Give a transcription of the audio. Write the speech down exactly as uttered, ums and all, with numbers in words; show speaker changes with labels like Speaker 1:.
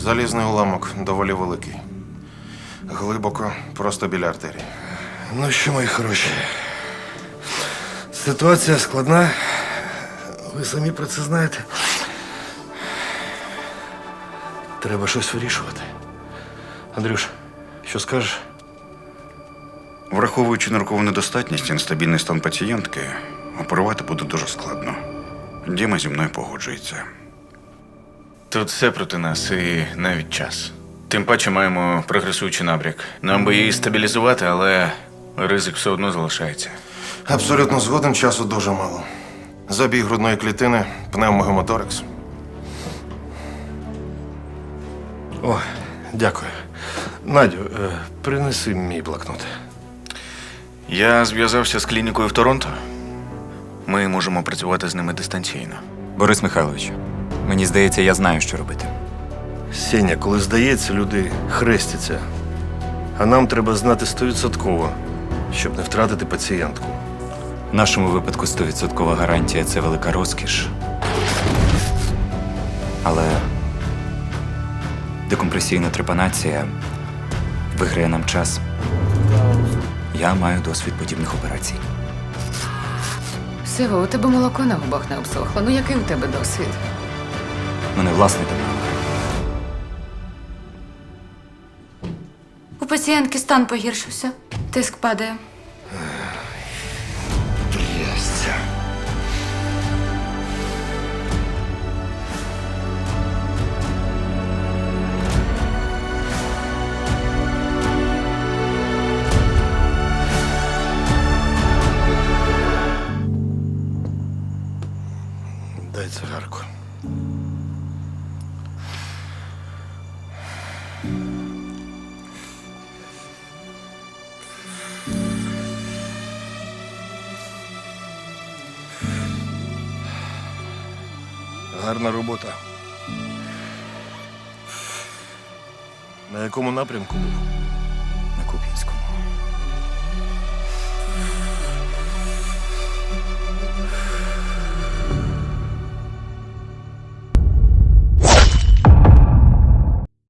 Speaker 1: Залізний уламок доволі великий. Глибоко, просто біля артерії.
Speaker 2: Ну що, мої хороші, ситуація складна. Ви самі про це знаєте. Треба щось вирішувати. Андрюш, що скажеш?
Speaker 3: Враховуючи ниркову недостатність і нестабільний стан пацієнтки, оперувати буде дуже складно. Діма зі мною погоджується.
Speaker 4: Тут все проти нас і навіть час. Тим паче маємо прогресуючий набряк. Нам би її стабілізувати, але ризик все одно залишається.
Speaker 1: Абсолютно згоден, часу дуже мало. Забій грудної клітини, пневмогемоторикс.
Speaker 2: О, дякую. Надю, е, принеси мій блокнот.
Speaker 4: Я зв'язався з клінікою в Торонто. Ми можемо працювати з ними дистанційно.
Speaker 5: Борис Михайлович, мені здається, я знаю, що робити.
Speaker 2: Сеня, коли здається, люди хрестяться. А нам треба знати стовідсотково, щоб не втратити пацієнтку.
Speaker 5: В нашому випадку сто відсотків гарантія – це велика розкіш. Але декомпресійна трепанація виграє нам час. Я маю досвід подібних операцій.
Speaker 6: Сева, у тебе молоко на губах не обсохло. Ну який у тебе досвід?
Speaker 5: У мене власний домовик.
Speaker 7: У пацієнтки стан погіршився. Тиск падає.
Speaker 2: Трясця. Дай цигарку. Гарна робота. На якому напрямку був?
Speaker 5: На Куп'янському.